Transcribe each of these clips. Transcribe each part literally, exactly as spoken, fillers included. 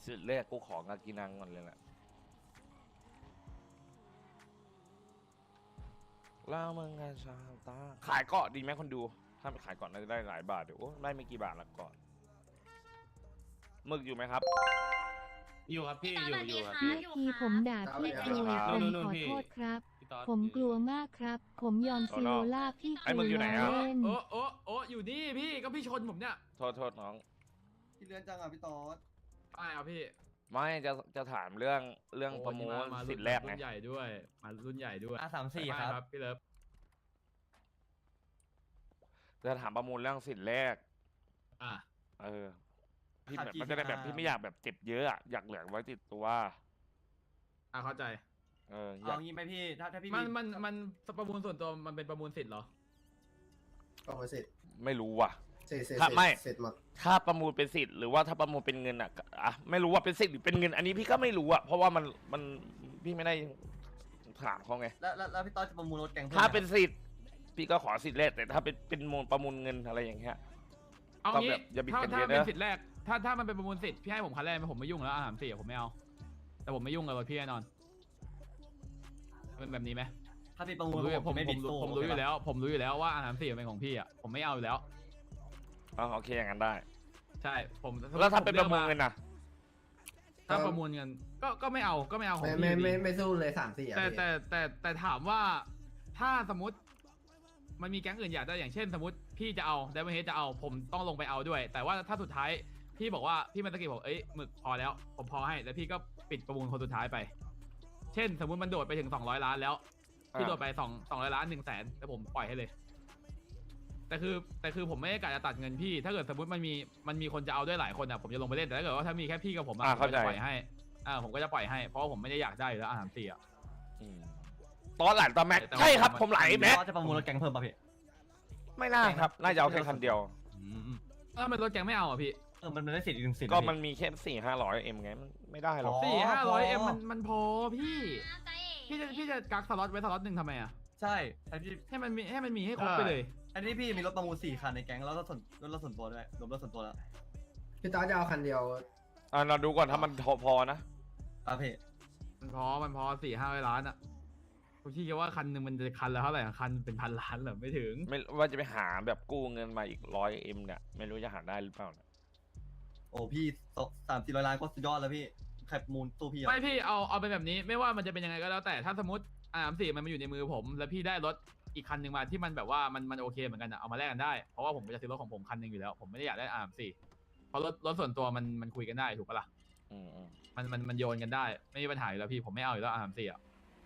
สิทธิ์แรกกูของากินังก่อนเลยแหละแล้วมึงกันชาตาขายเกาะดีไหมคนดูถ้าไปขายเกาะน่าจะได้หลายบาทเดี๋ยวโอ้ได้ไม่กี่บาทละก่อนหมึกอยู่ไหมครับอยู่ครับพี่อยู่อยู่ครับเมื่พี่อกี้ผมด่าพี่กลัวผมขอโทษครับ ผมกลัวมากครับ ผมยอมซีโรล่าพี่กลัวเล่นโอ้โอ้โอ้อยู่นี่พี่ก็พี่ชนผมเนี่ยโทษโทษน้องพี่เลื่อนจังอ่ะพี่ตอดไปเอาพี่ไม่จะจะถามเรื่องเรื่องประมูลมาสิทธิ์แรกไงรุ่นใหญ่ด้วยมารุ่นใหญ่ด้วยอ่ะสามสี่ไปครับพี่เลิฟจะถามประมูลเรื่องสิทธิ์แรกอ่ะเออพี่แบบมันจะได้แบบพี่ไม่อยากแบบเจ็บเยอะอะอยากเหลือไว้ติดตัวอ่ะเข้าใจเอออยาเอากงี้ไหมพี่ ถ้าถ้าพี่มันมันมันประมูลส่วนตัวมันเป็นประมูลสิทธิ์เหรอประมูลเสร็จไม่รู้ว่ะเสร็จเสร็จถ้าไม่เสร็จหมดถ้าประมูลเป็นสิทธิ์หรือว่าถ้าประมูลเป็นเงินอ่ะก็อ่ะไม่รู้ว่าเป็นสิทธิ์หรือเป็นเงิน อันนี้พี่ก็ไม่รู้อ่ะเพราะว่ามันมันพี่ไม่ได้ถามเขาไงแล้วแล้วแล้วพี่ตอดจะประมูลรถแกงพิ่มถ้าไหมเป็นสิทธิ์พี่ก็ขอสิทธิ์แรกแต่ถ้าเป็นเป็นมูลประมูลเงินอะไรอย่างเงี้ยเอาก็งี้แบบอย่าบิดถ้ากันถ้าเยอะเป็นนะสิทธิ์แรกถ้าถ้ามันเป็นประมูลสิทธิ์พี่ให้ผมคันแรกผมไม่ยุ่งแล้วอาหารสี่ผมไม่เอาแต่ผมไม่ยุ่งกับรถพี่แน่นอนเป็นแบบนี้ไหมถ้าพี่ประผมูมลรู้ผมผมไม่ผบิมดรู้สู้ผมรู้อยู่แล้ว ผมรู้อยู่แล้วว่าอาหารสี่เป็นของพี่อ่ะผมไม่เอาอยู่แล้วอ๋อโอเคอย่างนั้นได้ใช่ผมแล้วถ้าเป็นประมูลเงินนน่ะถ้าประมูลเงินก็ก็ไม่เอาก็ไม่เอาของไม่พี่ไม่อยู่ไม่ดีไม่สู้เลยสามสี่อ่ะแต่พี่แต่แต่แต่ถามว่าถ้าสมมติมันมีแก๊งอื่นอยากได้อย่างเช่น สมมติพี่จะเอาไดมอนเฮดจะเอาผมต้องลงไปเอาด้วย แต่ว่าถ้าสุดท้ายพี่บอกว่าพี่มันตะกี้บอกเอ้ยหมึกพอแล้วผมพอให้แล้วพี่ก็ปิดประมูลคนสุดท้ายไป เช่น สมมติมันโดดไปถึงสองร้อยล้านแล้วพี่โดดไปสองสองร้อยล้านหนึ่งแสนแล้วผมปล่อยให้เลย แต่คือแต่คือผมไม่ได้กะจะตัดเงินพี่ ถ้าเกิดสมมติมันมีมันมีคนจะเอาด้วยหลายคนอ่ะผมจะลงไปเล่นแต่ถ้าเกิดว่าถ้ามีแค่พี่กับผมอ่ะอ่าผมเข้าก็ใจจะปล่อยให้อ่าผมก็จะปล่อยให้เพราะว่าผมไม่ได้อยากได้อยู่แล้วอาหารสี่อ่ะอืมตอนหลังตอนแม็กแต่ว่าใช่ครับมันผมไหลพี่แม็กตอดจะประมูลรถแกงเพิ่มป่ะพี่ไม่น่าครับน่าจะเอาแค่คันเดียวถ้ามันรถแกงไม่เอาอ่ะพี่เออมันมันได้สิทธิ์อีกหนึ่งสิทธิ์ก็นะมันพี่มีแค่สี่ห้าร้อยเอ็มไงมันไม่ได้หรอกอ๋อสี่ห้าพร้ออยเอ็มมันมันพอพี่พี่จะพี่จะกักสล็อตไว้สล็อตหนึ่งทำไมอ่ะใช่แต่พี่ให้มันมีให้มันมีให้ครบไปเลยอันนี้พี่มีรถประมูลสี่คันในแก๊งแล้วรถส่วนรถรถส่วนตัวด้วยรวมรถส่วนตัวแล้วพี่ตอดจะเอาคันเดียวอ่าเราดูก่อนถ้ามันพอพอนะอ่ะพี่มันพอมันพอสี่ห้าร้อยล้านอ่ะผมคิดว่าคันหนึ่งมันจะคันละเท่าไหร่อะคันเป็นพันล้านเหรอไม่ถึงไม่ว่าจะไปหาแบบกู้เงินมาอีกร้อยเอ็มเนี่ยไม่รู้จะหาได้หรือเปล่านะโอ้พี่สามสี่ร้อยล้านก็สุดยอดแล้วพี่ใครประมูลตู้พี่อ่ะไม่พี่เอาเอาเป็นแบบนี้ไม่ว่ามันจะเป็นยังไงก็แล้วแต่ถ้าสมมติอ่าสี่มันมาอยู่ในมือผม แล้วพี่ได้รถอีกคันหนึ่งมาที่มันแบบว่ามันมันโอเคเหมือนกันอะเอามาแลกกันได้เพราะว่าผมจะซื้อรถของผมคันหนึ่งอยู่แล้ว ผมไม่ได้อยากได้อาร์มสี่เพราะรถรถส่วนตัวมันมันคุยกันได้ถูกปะล่ะอืมอืมมันมันมันโยนกันได้ไม่มีปัญหาอยู่แล้วพี่ผมไม่เอาอยู่แล้วอาร์มสี่อะ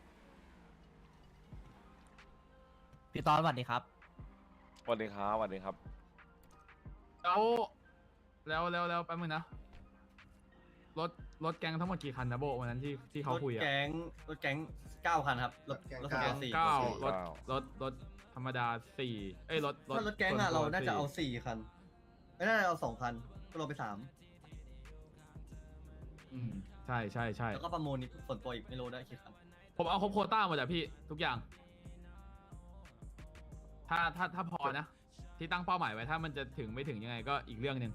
พี่ตอนสวัสดีครับสวัสดีครับสวัสดีครับแล้วแล้วแล้วแล้วแป๊บนึงนะรถรถแก๊งทั้งหมดกี่คันนะโบวันนั้นที่ที่เขาคุยรถอะแก๊งรถแก๊งเก้าคันครับรถรถแก๊งรถส่วนตัวเก้าสี่เก้าสี่รถเก้ารถรถธรรมดาสี่เอ้ยรถถ้ารถแก๊งอะส่เราวนตัวน่าจะเอาสี่สี่คันไม่น่าจะเอาสองคันก็ลงไปสามอืมใช่ใช่ใช่แล้วก็ประมูลอีกส่วนตัวอีกไม่รู้ได้กี่คันผมเอาครบโควต้าหมดอะพี่ทุกอย่าง ถ้าถ้าถ้าพอนะ ที่ตั้งเป้าหมายไว้ถ้ามันจะถึงไม่ถึงยังไงก็อีกเรื่องหนึ่ง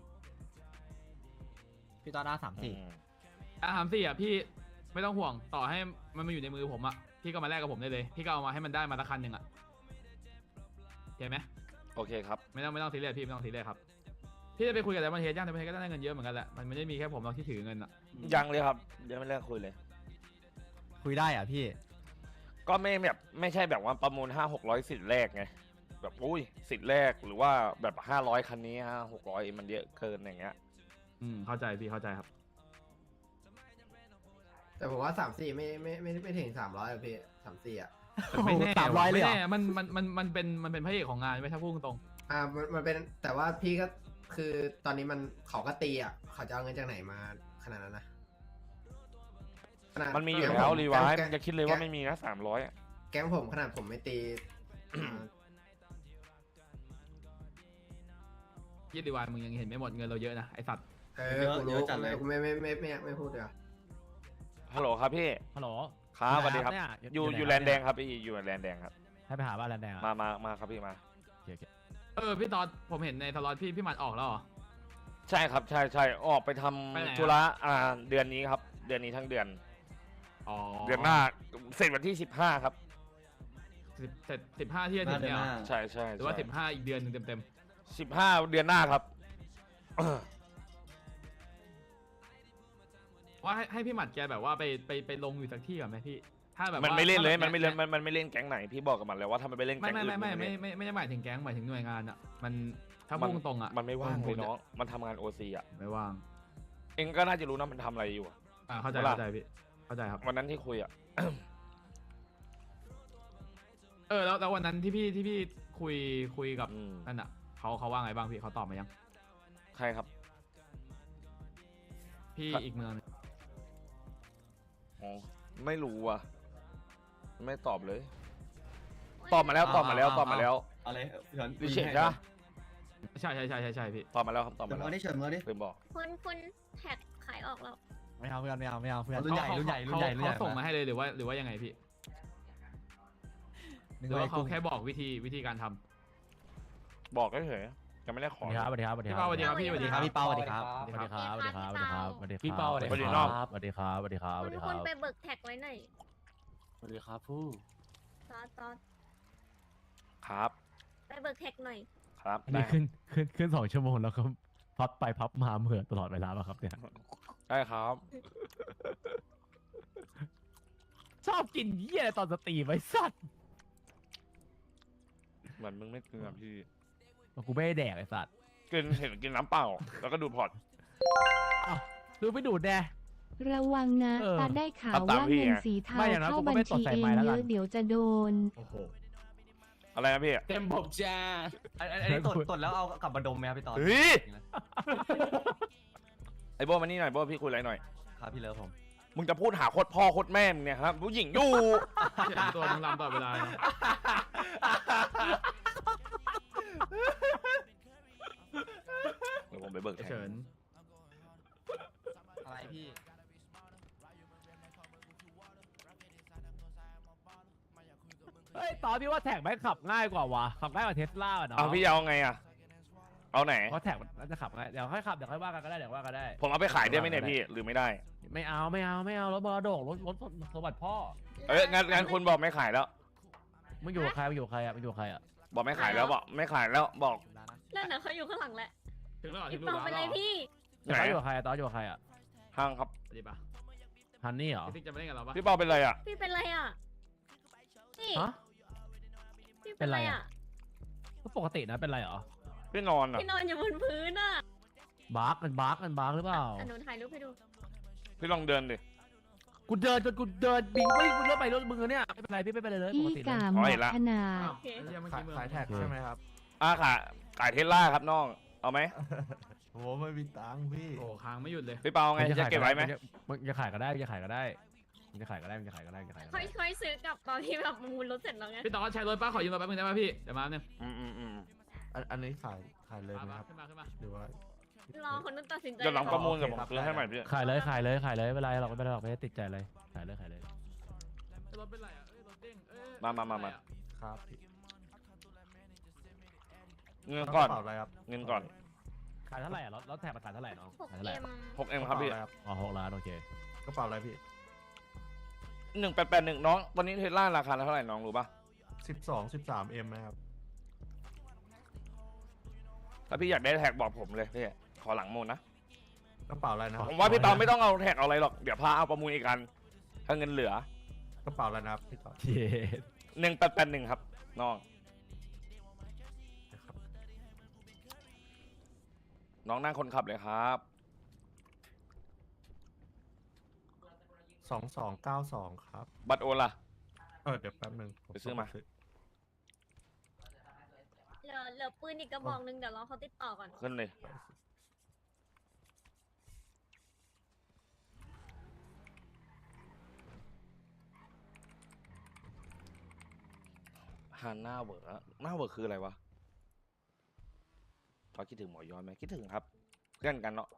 พี่ตอนหน้าสามอืสี่มอาหารสี่อะพี่ไม่ต้องห่วงต่อให้มันมาอยู่ในมือผมอะพี่ก็มาแลกกับผมได้เลย พี่ก็เอามาให้มันได้มาสักคันหนึ่งอะเห็นไหมโอเคครับไม่ต้องไม่ต้องซีเรียสพี่ไม่ต้องซีเรียสครับพี่จะไปคุยกับไดมอนเฮดย่างไดมอนเฮดก็ได้เงินเยอะเหมือนกันแหละมันไม่ได้มีแค่ผมหรอกที่ถือเงินอะยังเลยครับยังไม่เลิกคุยเลยคุยได้เหรอ่ะพี่ก็ไม่แบบไม่ใช่แบบว่าประมูลห้าหกร้อยสิทธิ์แรกไงแบบอุ้ยสิทธิ์แรกหรือว่าแบบห้าร้อยคันนี้ห้าหกร้อยมันเยอะเกินอย่างเงี้ยอืมเข้าใจพี่เข้าใจครับแต่ผมว่าสามสี่ไม่ไม่ไม่ไม่ถึงสามร้อยอะพี่สามสี่อ่ะไม่แน่สามร้อยเลยไม่เหรอแน่มันมันมันมันเป็นมันเป็นพระเอกของงานไม่ถ้าพูดตรงอ่ามันมันเป็นแต่ว่าพี่ก็คือตอนนี้มันเขาก็ตีอ่ะเขาจะเอาเงินจากไหนมาขนาดนั้นนะขนาดมันมีอยู่ก๊งแล้วผมรีไวายแก๊งมันจะคิดเลยว่าไม่มีนะสามร้อยแก๊งผมขนาดผมไม่ตีอ่ายี่ดีวายมึงยังเห็นไม่หมดเงินเราเยอะนะไอสัตว์เออกูรู้กูไม่ไม่ไม่ไม่ไม่ไม่พูดเดี๋ยวาฮัลโหลครับพี่ฮัลโหลครับสวัสดีครับเนี่ยอยู่ไหนอยู่คแลรับนด์แดงครับพี่อยู่แลนด์แดงครับให้ไปหาบ้านแลนด์แดงอะมามามาครับพี่มาโอเคโอเคเออพี่ตอนผมเห็นในสล็อตพี่พี่หมัดออกแล้วเหรอใช่ครับใช่ใช่ออกไปทไปไหนอะำธุระอ่าเดือนนี้ครับ เดือนนี้ทั้งเดือนอ๋อเดือนหน้าเสร็จวันที่สิบห้าครับสิบเสร็จสิบห้าที่จะถึงเนี่ยเหรอใช่ใช่หรือว่าสิบห้าอีกเดือนหนึงเต็มสิบห้าเดือนหน้าครับๆว่าให้ให้พี่หมัดแกแบบว่าไปไปไปลงอยู่สักที่ก่อนไหมพี่ ถ้าแบบมันว่าไม่เล่นเลยถ้าแบบมันไม่เล่นแกมันมันไม่เล่นแก๊งไหนพี่บอกกับมันแล้วว่าถ้ามันไปเล่นไม่แก๊งไม่อื่นไม่ไม่นไม่ไม่ไม่ได้หมายถึงแก๊งหมายถึงหน่วยงานอ่ะมันถ้ามันพูดตรงๆอ่ะมันไม่ว่างผเลยจะเนาะมันทำงานโอซีอ่ะไม่ว่างเองก็น่าจะรู้นะมันทำอะไรอยู่อะอ่าเข้าใจเวลาเข้าใจพี่เข้าใจครับวันนั้นที่คุยอ่ะเออแล้วแล้ววันนั้นที่พี่ที่พี่คุยคุยกับอืมนั่นอ่ะเขาเขาว่าไงบ้างพี่เขาตอบมายังใครครับพี่ครับอีกเมืองหนึ่งอ๋อไม่รู้อ่ะ ไม่ตอบเลย ตอบมาแล้วตอบมาแล้วตอบมาแล้วอะไรเฉินดิเชนใช่ปะใช่ใช่ใช่ใช่ใช่พี่ตอบมาแล้วครับตอบเฉิมาน แล้วเมื่อนี่เฉินเมื่อนี่ลืมบอกคุณคุณแท็กขายออกแล้วไม่เอาเพื่อนไม่เอาไม่เอาเพื่อนรุ่นใหญ่เขารุ่นใหญ่รุ่นเขาใหญ่รุ่นใหญ่เขาส่งมาให้เลยหรือว่าหรือว่ายังไงพี่หรือว่าเขาแค่บอกวิธีวิธีการทำบอกเฉยๆยังไม่ได้ขสอวัสดีครับสวัสดีพี่ครับเป้าสวัสดีครับพี่สวัสดีครับพี่เป้าสวัสดีครับสวัสดีครับสวัสดีครับสวัสดีครับสวัสดีครับพี่เป้าสวัสดีสวัสดีคครัรับบ สวัสดีครับสวัสดีครับสคุวัสณดีคคุรัณบไปเบิกแท็กไว้หน่อยสวัสดีครับผู้ซอสซอสครับไปเบิกแท็กหน่อยครับอันได้นี้ขึ้นขึ้นขึ้นสองชั่วโมงแล้วก็พับไปพับมาเหมือนตลอดเวลาป่ะครับเนี่ยได้ครับชอบกินเยี่ยอะไรตอนสตรีมไว้สัตว์เหมือนมึงไม่กินอะพี่กูไม่ได้แดกไอ้สัตว์กินเห็นกินน้ำเปล่า แล้วก็ดูดพอร์ตดูไปดูดแน่ระวังนะเออตาได้ข่าวตามตามว่าพี่เงินไงสีเทาไม่อย่างนั้นเข้ากูก็บัญไม่ตดชีใส่เองไม้แล้วเยกัอะนเดี๋ยวจะโดนโอ้โหอะไรนะพี่เต็มผมจ้าอันอันอันนี้ตดตดแล้วเอากลับมาดมไหมครับพี่ตอนเฮ้ย ไอ้โบมานี่หน่อยโบพี่คุยอะไรหน่อยครับพี่เลิฟผมมึงจะพูดหาโคตรพ่อโคตรแม่มึงเนี่ยครับผู้หญิงอยู่เสียงตัวมึงลำตลอดเวลานะเดี๋ยวผมไปเบิกแทเฉินนอะไรพี่เฮ้ยตอนพี่ว่าแท็กแม่งขับง่ายกว่าวะขับง่ายกว่าเทสลาอ่ะเนาะเอาพี่เอาไงอะเอาไหนเพราะแท็กมันน่าจะขับง่ายเดี๋ยวค่อยขับเดี๋ยวค่อยว่ากันก็ได้เดี๋ยวว่ากันได้ผมเอาไปขายได้ไหมเนี่ยพี่ หรือไม่ได้ไม่เอาไม่เอาไม่เอารถมรดกรถรถสมบัติพ่อเอ้ยงั้นงั้นคุณบอกไม่ขายแล้วมึงอยู่กับใครมึงอยู่กับใครอ่ะมึงอยู่กับใครอ่ะบอกไม่ขายแล้วบอกไม่ขายแล้วบอกนั่นน่ะเขาอยู่ข้างหลังแหละถึงแล้วเหรอถึพี่งรูปเปาแล้วไปเลยพี่ไหนตอนอยู่กับใครอะตอนอยู่กับใครอ่ะห้างครับสวัสดีปะฮันนี่เหรอพี่ติ๊กจะมาเล่นกับเราปะพี่เปาเป็นไรอะพี่เป็นไรอ่ะพี่ฮะพี่เป็นไรอ่ะก็ปกตินะเป็นไรเหรอพี่นอนอะพี่นอนอยู่บนพื้นอ่ะบาร์กมันบาร์กมันบาร์กหรือเปล่าอันนู้นถ่ายรูปให้ดูพี่ลองเดินดิกูเดินจนกูเดินบิงวิ่งมึงรถไปรถมึงอะเนี่ยไม่เป็นไรพี่ไม่เป็นไรเลยปพี่กติเลยกาอ๋หมออเห็นละขนาดโอเคไอ้เหี้ยเมื่อกี้มึงขายแท็กใช่ไหมครับอ่าขายขายเทสลาครับน้อง เอาไหมโอ้ไม่มีตังค์พี่โอ้ค้างไม่หยุดเลยพี่เปาไงจะเก็บไว้ไหมมึงจะขายก็ได้มึงจะขายก็ได้มึงจะขายก็ได้มึงจะขายก็ได้มึงจะขายก็ค่อได้ยค่อยซื้อกลับตอนที่แบบมูลรถเสร็จแล้วไงพี่ตอนใช้รถป้าขอยืมรถแป๊บนึงได้ไหมพี่เดี๋ยวมาเนี่ยอืมอืมอืมอันอันนี้ขายขายเลยไหมมาครับขึ้นมาขึ้นมาหรือว่ารอคนนู้นตัดสินใจเดี๋ยวหลังประมูลเดี๋ยวผมโอเคครับซื้อให้ใหม่พี่ขายเลยขายเลยขายเลยไม่เป็นไรหรอกไม่เป็นไรหรอกไม่ได้ติดใจเลยขายเลยขายเลยรถเป็นไรอ่ะเอ้ยรถเด้งเอ้ยมามามามาครับพี่เงินก่อนกระเป๋าอะไรครับเงินก่อนขายเท่าไหร่อ่ะรถรถแท็กมาขายเท่าไหร่น้องหกขายเท่าไหร่เอ็มหกเอ็มครับพี่กะเป๋าอะไครับอ๋อหกล้านโอเคกระเป๋าอะไรพี่หนึ่งแปดแปดหนึ่งน้อง ตอนนี้เทสลาราคาเท่าไหร่น้องรู้ป่ะสิบสองสิบสามเอ็มนะครับถ้าพี่อยากได้แท็กบอกผมเลยพี่ขอหลังมูลนะกระเป๋าอะไรนะครับผมว่าพี่เปาไม่ต้องเอาแท็กเอาอะไรหรอก เดี๋ยวพาเอาประมูลอีกกัน ถ้าเงินเหลือกระเป๋าอะไรนะครับพี่ต่อเย้หนึ่งแปดแปดหนึ่งครับน้องนะครับน้องนั่งคนขับเลยครับสองสองเก้าสองครับบัตรโอนล่ะเออเดี๋ยวแป๊บนึงผไปซื้อมาเหลือเหลือปืนอีกกระบอกหนึงเดี๋ยวรอเขาติดต่อก่อนขึ้นเลย ฮานหน้าเวอร์หน้าเวอร์คืออะไรวะพอคิดถึงหมอย้อนไหมคิดถึงครับ เพื่อนกันเนาะ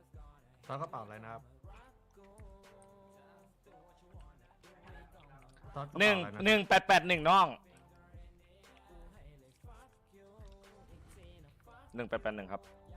แล้วกระเป๋าอะไรนะครับตอนกระหนึ่งเป๋าอะไระหนึ่งแปดแปดหนึ่งน้องหนึ่งแปดแปดหนึ่งครับ